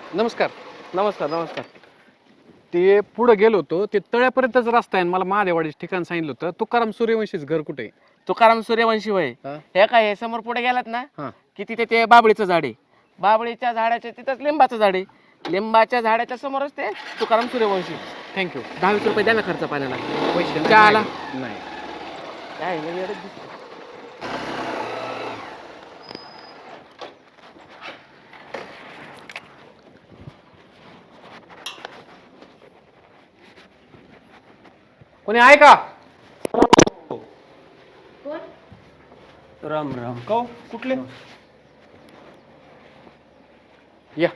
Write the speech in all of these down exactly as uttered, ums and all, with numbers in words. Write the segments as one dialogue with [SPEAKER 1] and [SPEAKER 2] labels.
[SPEAKER 1] नमस्कार.
[SPEAKER 2] नमस्कार नमस्कार.
[SPEAKER 1] ते पुढे गेलो होतो, ते तळ्यापर्यंतच रस्ता आहे आणि मला महादेवाडीचं ठिकाण सांगितलं होतं. तुकाराम सूर्यवंशीच घर कुठे आहे?
[SPEAKER 2] तुकाराम सूर्यवंशी वय
[SPEAKER 1] हा?
[SPEAKER 2] हे काय हे समोर पुढे गेलात ना
[SPEAKER 1] हा.
[SPEAKER 2] की तिथे ते बाबळीचं झाड आहे. बाबळीच्या झाडाच्या तिथंच लिंबाचं झाड आहे. लिंबाच्या झाडाच्या समोरच ते तुकाराम सूर्यवंशी.
[SPEAKER 1] थँक्यू.
[SPEAKER 2] दहा वीस रुपये द्या ना खर्च पाण्याला.
[SPEAKER 1] पैसे
[SPEAKER 2] चहा आला?
[SPEAKER 1] नाही.
[SPEAKER 2] काय हे वेडच दिसतं.
[SPEAKER 1] कोणी आहे का?
[SPEAKER 3] राम राम. काऊ कुठले?
[SPEAKER 1] या.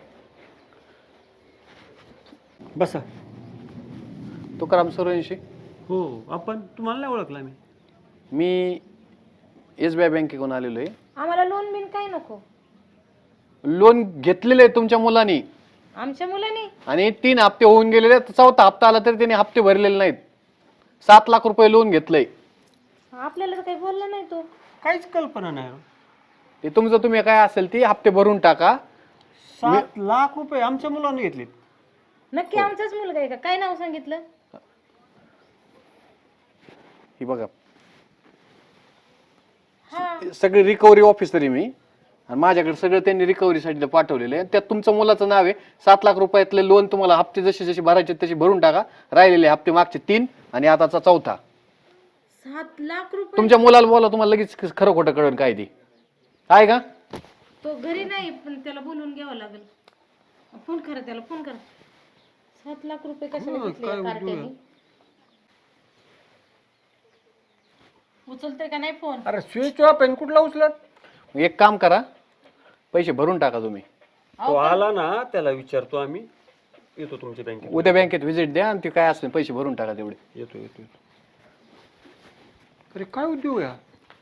[SPEAKER 3] बसा.
[SPEAKER 1] तुकाराम सूर्यवंशी.
[SPEAKER 3] हो आपण तुम्हाला नाही ओळखला मी.
[SPEAKER 1] मी एस बी आय बँकेकडून आलेलो आहे.
[SPEAKER 4] आम्हाला लोन बिन काही नको.
[SPEAKER 1] लोन घेतलेलं आहे तुमच्या मुलांनी
[SPEAKER 4] आमच्या मुलांनी
[SPEAKER 1] आणि तीन हप्ते होऊन गेलेले आहेत. चौथा हप्ता आला तरी त्यांनी हप्ते भरलेले नाहीत. सात लाख रुपये लोन घेतलंय.
[SPEAKER 4] आपल्याला तर काही बोलला नाही तो.
[SPEAKER 3] काहीच कल्पना नाही.
[SPEAKER 1] ते तुमचं तुम्ही काय असेल ती हप्ते भरून टाका.
[SPEAKER 3] सात लाख रुपये आमच्या मुलांनी घेतले.
[SPEAKER 4] नक्की आमचाच मुलगा आहे का? काय नाव सांगितलं?
[SPEAKER 1] ही बघा
[SPEAKER 4] हा
[SPEAKER 1] सगळी रिकव्हरी ऑफिसर आहे मी आणि माझ्याकडे सगळं त्यांनी रिकव्हरीसाठी पाठवलेलं आहे. त्यात तुमचं मुलाचं नाव आहे. सात लाख रुपयातले लोन तुम्हाला हप्ते जसे जसे भरायचे तसे भरून टाका. राहिलेले हप्ते मागचे तीन आणि आताचा चौथा.
[SPEAKER 4] सात लाख रुपये.
[SPEAKER 1] तुमच्या मुलाला बोला, तुम्हाला लगेच खरं खोटं कळेल काय ती आहे का.
[SPEAKER 4] तो घरी नाही पण त्याला बोलवून घ्यावं लागेल. फोन करा त्याला, फोन करा. सात लाख रुपये कशाला घेतले या कार्ट्याने? उचलते का नाही फोन?
[SPEAKER 3] अरे स्विच ऑफ आहे कुठला उचलत.
[SPEAKER 1] एक काम करा, पैसे भरून टाका तुम्ही.
[SPEAKER 3] तो आला ना त्याला विचारतो आम्ही. येतो तुमच्या बँकेत.
[SPEAKER 1] उद्या बँकेत व्हिजिट द्या आणि ते काय असेल पैसे भरून टाका तेवढे.
[SPEAKER 3] येतो येतो येतो. अरे काय उद्योग या.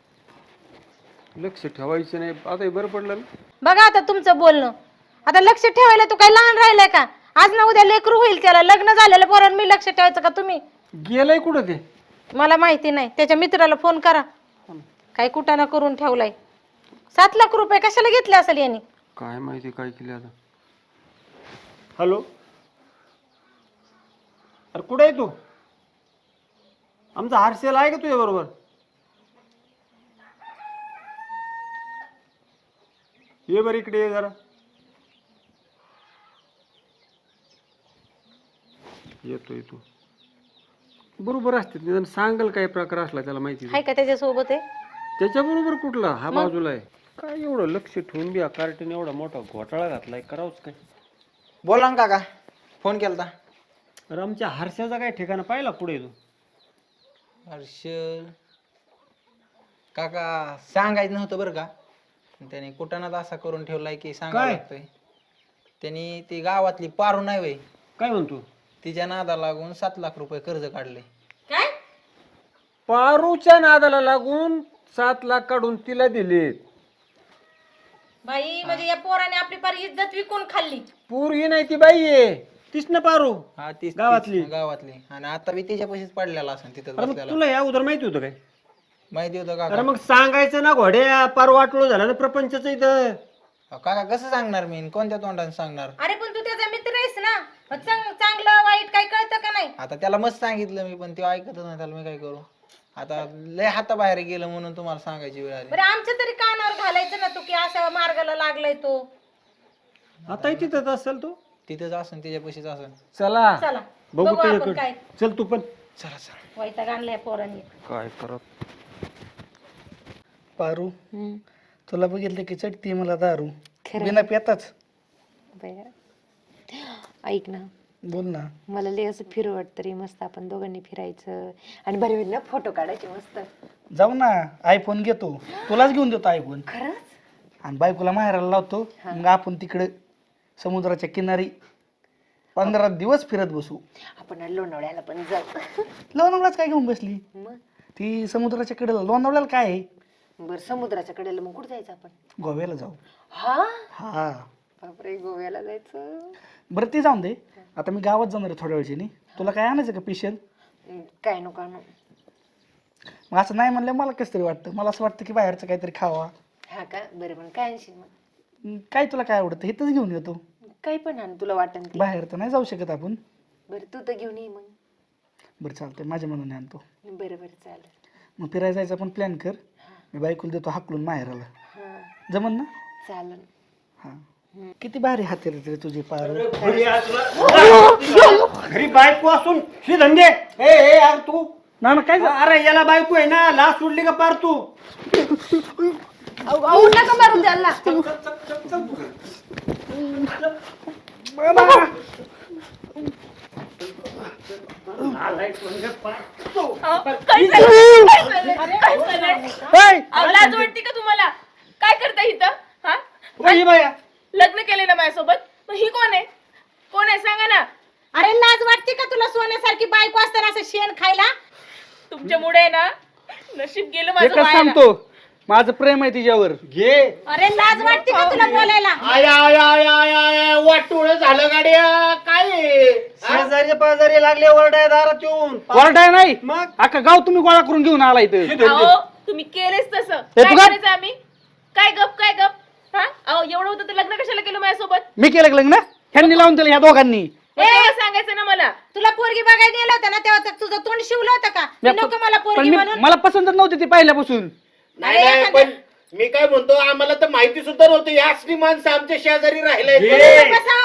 [SPEAKER 3] लक्ष ठेवायचं नाही. आता हे बरं पडलं ना.
[SPEAKER 4] बघा आता तुमचं बोलणं. आता लक्ष ठेवायला तो काही लहान राहिलाय का? आज ना उद्या लेकरू होईल त्याला. लग्न झालेलं पोरांना मी लक्ष ठेवायचं का तुम्ही?
[SPEAKER 3] गेलंय कुठं ते?
[SPEAKER 4] मला माहिती नाही. त्याच्या मित्राला फोन करा. काही कुटाणा करून ठेवलाय. सात लाख रुपये कशाला घेतले असेल यांनी?
[SPEAKER 3] काय माहिती काय केलं आता. हॅलो. अरे कुठे आहे तू? आमचा हारसेल आहे का तुझ्या बरोबर? ये बरं इकडे ये जरा. येतो येतो. बरोबर असते निदान सांगल काय प्रकार असला त्याला माहिती.
[SPEAKER 4] हाय का त्याच्या सोबत आहे?
[SPEAKER 3] त्याच्या बरोबर कुठला हा बाजूला आहे. काय एवढं लक्ष ठेवून बी कार्टीने एवढा मोठा घोटाळा घातलाय. करावंच काय.
[SPEAKER 5] बोला ना काका, फोन केलता.
[SPEAKER 3] अरे आमच्या हर्षाचा काय ठिकाणा पाहिला पुढे तू?
[SPEAKER 5] हर्ष काका सांगायचं नव्हतं बरं का. त्याने कुटाणाच असा करून ठेवलाय की सांगावं
[SPEAKER 3] काय?
[SPEAKER 5] लागतंय. त्यांनी ती गावातली पारू नाही वय,
[SPEAKER 3] काय म्हणतो?
[SPEAKER 5] तिच्या नादा लागून सात लाख रुपये कर्ज काढले.
[SPEAKER 4] काय?
[SPEAKER 3] पारूच्या नादाला लागून सात लाख काढून तिला दिले.
[SPEAKER 4] बाई म्हणजे या पोराने आपली पार इज्जत विकून खाल्ली.
[SPEAKER 3] पोरगी नाही ती बाई आहे. तीच ना पारू
[SPEAKER 5] हा ती
[SPEAKER 3] गावातली?
[SPEAKER 5] गावातली. आणि आता बी तिच्या पैसेच पडलेला असं तिथं
[SPEAKER 3] अरे मग
[SPEAKER 5] बसलेला.
[SPEAKER 3] तुला या अगोदर माहिती होतं काय?
[SPEAKER 5] माहिती होतं
[SPEAKER 3] अरे
[SPEAKER 5] काका.
[SPEAKER 3] मग सांगायचं ना घोड्या. पार वाटलो झालं ना प्रपंचाचं इथं.
[SPEAKER 5] अहो, काका कसं सांगणार मी? कोणत्या तोंडाने सांगणार?
[SPEAKER 4] अरे पण तू त्याचा मित्र आहेस ना. मग चांग- चांगलं वाईट काय कळतं का नाही?
[SPEAKER 5] आता त्याला मस्त सांगितलं मी, पण ते ऐकतच नाही. त्याला मी काय करू? आता लय हाताबाहेर गेलं म्हणून तुम्हाला सांगायची वेळ आली.
[SPEAKER 4] बरं आमच्या तरी कानावर घालायचं ना तू की अशा मार्गाला लागलाय तो.
[SPEAKER 3] आता तिथंच असेल तो.
[SPEAKER 5] तिथंच असन, तिच्या पैसेच असन.
[SPEAKER 3] चला
[SPEAKER 4] चला
[SPEAKER 3] बघू
[SPEAKER 4] बघू आपण
[SPEAKER 3] त्याच्याकडे.
[SPEAKER 4] काय
[SPEAKER 3] चल तू पण.
[SPEAKER 5] चला चला.
[SPEAKER 4] वैताग आणलाय पोरांनी.
[SPEAKER 3] काय करत.
[SPEAKER 6] पारू तुला बघितलं की चटती मला दारू. बिना पेताच.
[SPEAKER 7] ऐक ना,
[SPEAKER 6] बोल ना.
[SPEAKER 7] मला लय असं फिरू वाटतं रे. मस्त आपण दोघांनी फिरायचं आणि बरे होईल ना फोटो काढायचे मस्त.
[SPEAKER 6] जाऊ ना, आयफोन घेतो. तुलाच घेऊन देतो आयफोन.
[SPEAKER 7] खरंच?
[SPEAKER 6] आणि बायकोला माहेराला लावतो. मग आपण तिकडे समुद्राच्या किनारी पंधरा दिवस फिरत बसू.
[SPEAKER 7] आपण लोणावळ्याला पण जाऊ.
[SPEAKER 6] लोणावळ्याच काय घेऊन बसली?
[SPEAKER 7] मग
[SPEAKER 6] ती समुद्राच्या कडेला. लोणावळ्याला काय आहे?
[SPEAKER 7] बर समुद्राच्या कडेला मग कुठे जायचं आपण?
[SPEAKER 6] गोव्याला जाऊ.
[SPEAKER 7] हा
[SPEAKER 6] हा
[SPEAKER 7] बापरे, गोव्याला जायचं.
[SPEAKER 6] बरं ते जाऊन दे. आता मी गावात जाणार आहे थोड्या वेळची. तुला काय आणायचं का स्पेशल?
[SPEAKER 7] काय नको आणू.
[SPEAKER 6] मग असं नाही म्हणलं मला कसं तरी वाटतं. मला असं वाटतं की बाहेरचं काहीतरी खावा.
[SPEAKER 7] हा का? बरं पण काय आणशील मग?
[SPEAKER 6] काय तुला काय आवडतं? इथंच घेऊन येतो.
[SPEAKER 7] काही पण आण तुला वाटन ते.
[SPEAKER 6] बाहेर तर नाही जाऊ शकत आपण.
[SPEAKER 7] बरं तू तर घेऊन ये मग.
[SPEAKER 6] बरं चालतंय, माझ्या मनाने आणतो.
[SPEAKER 7] बरं बरं चालेल.
[SPEAKER 6] मग फिरायला जायचं आपण प्लॅन कर. मी बायकोला देतो हाकलून माहेराला.
[SPEAKER 7] हा
[SPEAKER 6] जमन ना?
[SPEAKER 7] चालेल.
[SPEAKER 6] हा. किती भारी हात आहेत रे तुझे पार.
[SPEAKER 3] घरी बायको असून ही धंदे ए ए यार तू
[SPEAKER 6] ना ना काय झालं?
[SPEAKER 3] अरे याला बायको आहे ना, लाच सोडली का पार तू?
[SPEAKER 7] अहो नका मारू त्याला.
[SPEAKER 8] लाज वाटते का तुम्हाला? काय करता इथं? हा
[SPEAKER 3] वही बाया
[SPEAKER 8] लग्न केले ना माझ्यासोबत, मग ही कोण आहे? कोण आहे सांगा ना.
[SPEAKER 4] अरे लाज वाटते का तुला सोन्यासारखी बायको असताना असं शेण खायला?
[SPEAKER 8] तुमच्यामुळे ना नशीब गेलं माझं
[SPEAKER 6] एकच
[SPEAKER 8] वाया.
[SPEAKER 6] सांगतो, माझं प्रेम आहे तिच्यावर.
[SPEAKER 3] घे.
[SPEAKER 4] अरे लाज वाटते का तुला बोलायला?
[SPEAKER 2] आय आय आय आय आय वाटोळ झालं गाड्या काय आहे?
[SPEAKER 3] शेजारी पाजारी लागले ओरडाय दारात येऊन.
[SPEAKER 6] वरडाय नाही,
[SPEAKER 3] मग
[SPEAKER 6] अख्खा गाव तुम्ही गोळा करून घेऊन आला इथं.
[SPEAKER 8] अहो तुम्ही केलेच तसं.
[SPEAKER 6] हे
[SPEAKER 8] काय
[SPEAKER 6] तू गप.
[SPEAKER 8] करायचं आम्ही? काय गप काय गप? हा अहो एवढं होतं तर लग्न कशाला केलं माझ्यासोबत?
[SPEAKER 6] मी केलं का लग्न? ह्यांनी लावून दिलं ह्या दोघांनी.
[SPEAKER 8] मग तेव्हा सांगायचं ना मला.
[SPEAKER 4] तुला पोरगी बघायला गेला होता ना तेव्हा तर तुझं तोंड शिवलं होतं का?
[SPEAKER 6] मी-
[SPEAKER 4] नको मला
[SPEAKER 6] पण
[SPEAKER 4] पोरगी
[SPEAKER 6] मी-
[SPEAKER 4] म्हणून.
[SPEAKER 6] मला पसंतच नव्हती ती पहिल्यापासून.
[SPEAKER 2] नाही नाही पण मी काय म्हणतो आम्हाला तर माहिती सुद्धा नव्हती या असली माणसं आमच्या शेजारी राहिले.
[SPEAKER 4] बसाव.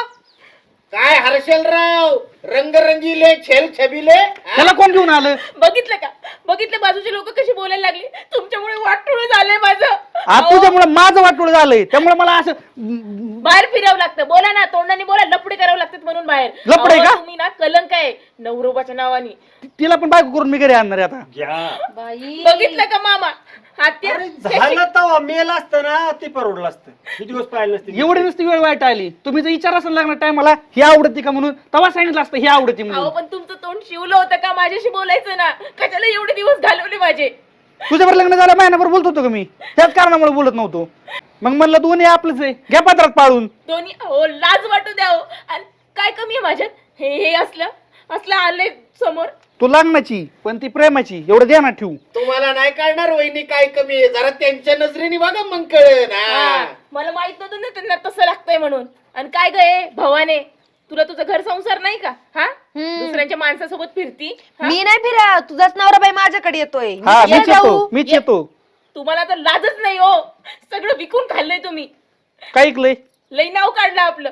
[SPEAKER 2] काय हर्षलराव रंगरंगीले छेल छबिले
[SPEAKER 6] त्याला कोण घेऊन आलं?
[SPEAKER 8] बघितलं का? बघितलं बाजूचे लोक कशी बोलायला लागली? तुमच्यामुळे वाटोळ झालंय माझं.
[SPEAKER 6] आज
[SPEAKER 8] अहो,
[SPEAKER 6] तुझ्यामुळे माझं वाटोळ झालंय, त्यामुळे मला असं
[SPEAKER 8] बाहेर फिरावं लागतं. बोला ना, तोंडाने बोला. लपडे करावं लागतात म्हणून बाहेर.
[SPEAKER 6] लफडे
[SPEAKER 8] अहो,
[SPEAKER 6] का?
[SPEAKER 8] तुम्ही ना कलंक आहे नवरोबाच्या नावाने.
[SPEAKER 6] तिला पण बायको करून मी घरी आणणार आहे आता.
[SPEAKER 3] घ्या.
[SPEAKER 4] बाई
[SPEAKER 8] बघितलं का मामा? हाती
[SPEAKER 3] झालं तवा मेल असतं ना ती परवडलं असतं. किती दिवस पाहिलं नसते.
[SPEAKER 6] एवढी नुसती वेळ वाईट आली. तुम्ही जर विचार असेल लागणार टायमाला ही आवडती का म्हणून, तेव्हा सांगितलं असतं ही आवडती
[SPEAKER 8] अहो
[SPEAKER 6] म्हणून.
[SPEAKER 8] पण तुमचं तोंड शिवलं होतं का? माझ्याशी बोलायचं ना. कशाला एवढे दिवस घालवले माझे?
[SPEAKER 6] तुझ्यावर लग्न झालं महिनाभर बोलत होतो का मी? त्याच कारणामुळे बोलत नव्हतो. मग म्हणलं दोन्ही आपलंच आहे, घ्या पत्रात पाळून.
[SPEAKER 8] दोन्ही हो लाज वाटू द्या हो. आणि काय कमी आहे माझ्यात? हे हे असलं असलं आलंय समोर.
[SPEAKER 6] तू लग्नाची पण ती प्रेमाची, एवढं ध्यानात ठेवू.
[SPEAKER 2] तुम्हाला नाही कळणार वहिनी काय कमी आहे. जरा त्यांच्या नजरेने बघा मग कळेल.
[SPEAKER 8] हा, मला माहित नव्हतं ना त्यांना तसं लागतंय म्हणून. आणि काय गे भवाने, तुला तुझं घर संसार नाही का? हा दुसऱ्यांच्या माणसासोबत फिरती. हा?
[SPEAKER 7] मी नाही फिरा, तुझाच नवरा बाई माझ्याकडे येतोय. मी
[SPEAKER 6] हा
[SPEAKER 7] कशाला
[SPEAKER 6] मीच येतो,
[SPEAKER 7] जाऊ?
[SPEAKER 6] मीच येतो.
[SPEAKER 8] तुम्हाला तर लाजच नाही हो. सगळं विकून खाल्लंय तुम्ही.
[SPEAKER 6] काय ऐकलंय?
[SPEAKER 8] लई नाव काढलं आपलं.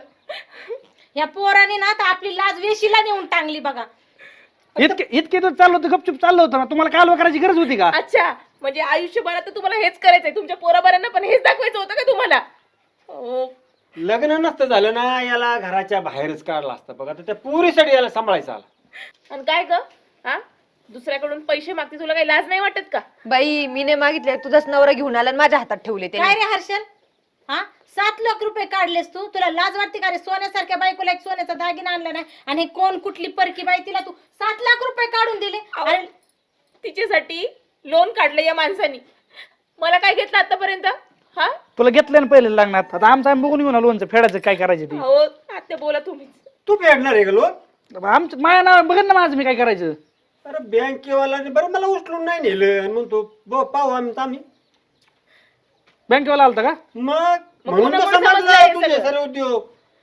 [SPEAKER 4] या पोराने ना आता आपली लाज वेशीला नेऊन टांगली बघा.
[SPEAKER 6] इतके इतके दिवस चाललो होतं, गपचूप चाललो होतं ना. तुम्हाला कालवा करायची गरज होती का?
[SPEAKER 8] अच्छा, म्हणजे आयुष्यभरात तर तुम्हाला हेच करायचंय. तुमच्या पोराबारांना पण हेच दाखवायचं होतं का तुम्हाला? हो.
[SPEAKER 3] लग्न नसतं झालं ना याला घराच्या बाहेरच काढला असतं बघा. तर त्या पुरीसाठी याला सांभाळायचं आला.
[SPEAKER 8] आणि काय ग? हा दुसऱ्याकडून पैसे मागते, तुला काही लाज नाही वाटत का?
[SPEAKER 7] बाई मी नाही मागितले, तुझाच नवरा घेऊन आला आणि माझ्या हातात ठेवले ते.
[SPEAKER 4] काय रे हर्षल? हा सात लाख रुपये काढलेस तू. तुला लाज वाटते का रे? सोन्यासारख्या बायकोला एक सोन्याचा दागिना आणला नाही आणि हे कोण कुठली परकी बाई तिला तू सात लाख रुपये काढून दिले? अरे
[SPEAKER 8] तिच्यासाठी लोन काढलं या माणसानी. मला काय घेतलं आतापर्यंत? हा
[SPEAKER 6] तुला घेतलं ना पहिले लग्नात. आता आमचं आम्ही बघून घेऊन आलो लोणचं फेडायचं काय करायचं ते.
[SPEAKER 8] हो आता बोला तुम्हीच.
[SPEAKER 3] तू फेडणार आहे का लोन?
[SPEAKER 6] आमचं माझ्या नाव बघन ना माझं मी काय करायचं.
[SPEAKER 3] अरे बँकेवाला बरं मला उचलून नाही नेलं आणि म्हणतो ब पाहू आम्ही आम्ही
[SPEAKER 6] बँकेवाला आलता का?
[SPEAKER 3] मग म्हणून
[SPEAKER 8] पुन्हा
[SPEAKER 3] तर
[SPEAKER 8] कोण समजलं
[SPEAKER 3] समजलं
[SPEAKER 8] हे
[SPEAKER 3] तुझे
[SPEAKER 8] सगळं?
[SPEAKER 3] सर्व उद्योग.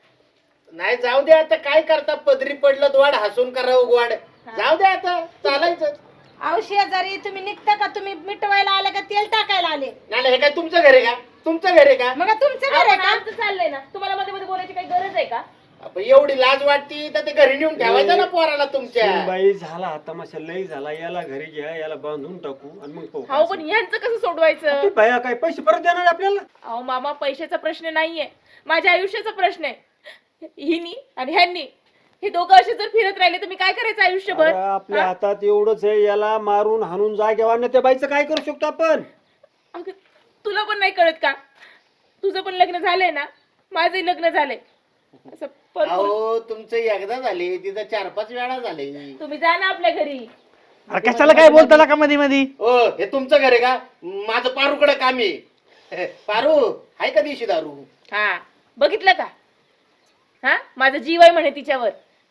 [SPEAKER 2] नाही जाऊ दे आता काय करता. पदरी पडलं वाढ हसून करावं गोड. जाऊ दे आता चालायचं.
[SPEAKER 4] अहो शेजारी तुम्ही निघता का? तुम्ही मिटवायला आले का तेल टाकायला आले?
[SPEAKER 2] नाही नाही, हे काय तुमचं घर आहे का? तुमचं घर आहे का?
[SPEAKER 4] मग तुमचं घर आहे का?
[SPEAKER 8] आमचं चाललंय ना. तुम्हाला मध्ये मध्ये बोलायची काही गरज आहे का?
[SPEAKER 2] आपण एवढी लाज वाटती तर ते घरी नेऊन ठेवायचं ना पोराला तुमच्या.
[SPEAKER 3] बाई झाला हा तमाशा लई झाला. याला घरी घ्या, याला बांधून टाकू आणि मग पाहू.
[SPEAKER 8] अहो पण यांचं कसं सोडवायचं?
[SPEAKER 3] ती बाया काय पैसे परत देणार आपल्याला?
[SPEAKER 8] अहो मामा, पैशाचा प्रश्न नाहीये, माझ्या आयुष्याचा प्रश्न आहे. हिनी आणि ह्यांनी हे दोघं असे जर फिरत राहिले तर मी काय करायचं आयुष्यभर?
[SPEAKER 3] अरे, आपल्या हातात एवढंच आहे. याला मारून हाणून जागेवर आणणं त्या बाईचं काय करू शकतो आपण?
[SPEAKER 8] अगं, तुला पण नाही कळत का? तुझं पण लग्न झालंय ना, माझंही लग्न झालंय. असं परत
[SPEAKER 2] अहो तुमचं एकदा झाले तिथं चार पाच वेळा झाले.
[SPEAKER 8] तुम्ही जा ना आपल्या घरी.
[SPEAKER 6] अरे कशाला काय बोलता का मध्ये मध्ये?
[SPEAKER 2] ओ हे तुमचं घर आहे का? माझं पारूकडे काम आहे. पारू आहे का दिवशी दारू?
[SPEAKER 8] हा बघितलं का? हा माझा जीव आहे म्हणे तिच्यावर.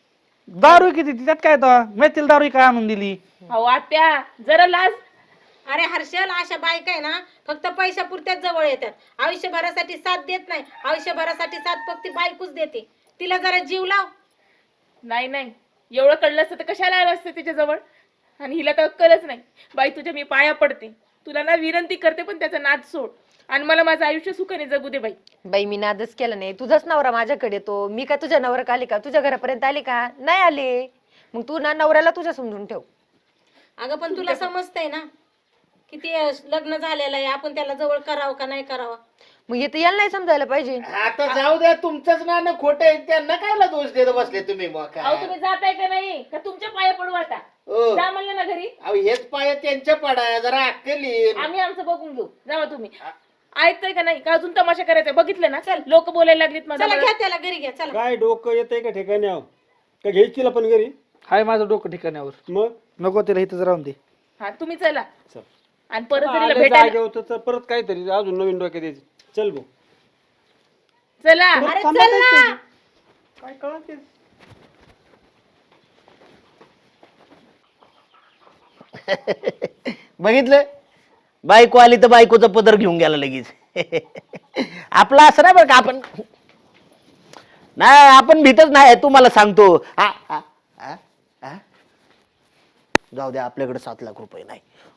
[SPEAKER 6] दारू किती त्यात काय तर मेथील दारू काय आणून दिली?
[SPEAKER 8] अहो आत्या जरा लाज.
[SPEAKER 4] अरे हर्षल, अशा बायका आहे ना फक्त पैशा पुरत्याच जवळ येतात. आयुष्यभरासाठी साथ देत नाही. आयुष्यभरासाठी साथ फक्त बायकोच देते. तिला जरा जीव लाव.
[SPEAKER 8] नाही नाही, एवढं कळलं असतं तर कशाला आलं असतं तिच्याजवळ. आणि हिला तर अक्कलच नाही. बाई तुझ्या मी पाया पडते, तुला ना विनंती करते, पण त्याचा नाद सोड आणि मला माझं आयुष्य सुखाने जगू दे बाई.
[SPEAKER 7] बाई मी नादच केला नाही, तुझाच नवरा माझ्याकडे येतो. मी काय तुझ्या नवऱ्याक आली का? तुझ्या घरापर्यंत आली का? नाही आले. मग तू ना नवऱ्याला तुझ्या समजून ठेव.
[SPEAKER 4] अगं पण तुला समजतंय ना किती लग्न झालेलं आहे, आपण त्याला जवळ करावं का नाही करावं.
[SPEAKER 7] मग येते याला नाही समजायला पाहिजे.
[SPEAKER 2] आता जाऊ द्या, तुमचंच नाणं खोटं आहे, त्यांना कायला दोष देत बसले तुम्ही मग
[SPEAKER 8] अहो
[SPEAKER 2] काय?
[SPEAKER 8] तुम्ही जाताय का नाही का तुमच्या पाया पडू आता?
[SPEAKER 2] हो.
[SPEAKER 8] जा म्हणलं ना घरी.
[SPEAKER 2] अहो हेच पाय त्यांच्या पडा, जरा अक्कल येईल.
[SPEAKER 8] आम्ही आमचं बघून घेऊ, जावा तुम्ही. ऐकताय का नाही का अजून तमाशा करायचा? बघितलं ना, चल लोक बोलायला लागलीत
[SPEAKER 4] चला
[SPEAKER 8] माझ्या.
[SPEAKER 4] घ्या त्याला घरी घ्या चला.
[SPEAKER 3] काय डोकं येतंय का ठिकाणी आहो का घ्यायची पण घरी?
[SPEAKER 6] हाय माझं डोकं ठिकाण्यावर.
[SPEAKER 3] मग
[SPEAKER 6] नको तिला इथंच राहून दे.
[SPEAKER 8] हा तुम्ही चला.
[SPEAKER 3] चल.
[SPEAKER 8] आणि परत जर तिला
[SPEAKER 3] आलं
[SPEAKER 8] भेटायला
[SPEAKER 3] जागेवर तर परत काहीतरी अजून नवीन डोक्यात यायचं. चल भाऊ.
[SPEAKER 8] चला.
[SPEAKER 4] अरे चल ना.
[SPEAKER 3] काय कळत
[SPEAKER 2] बघितलं, बायको आली तर बायकोचा पदर घेऊन गेला लगेच. आपला असं नाही बरं का, आपण नाही, आपण भीतच नाही, तुम्हाला सांगतो. आ, आ, आ, आ. जाऊ द्या, आपल्याकडे सात लाख रुपये नाही.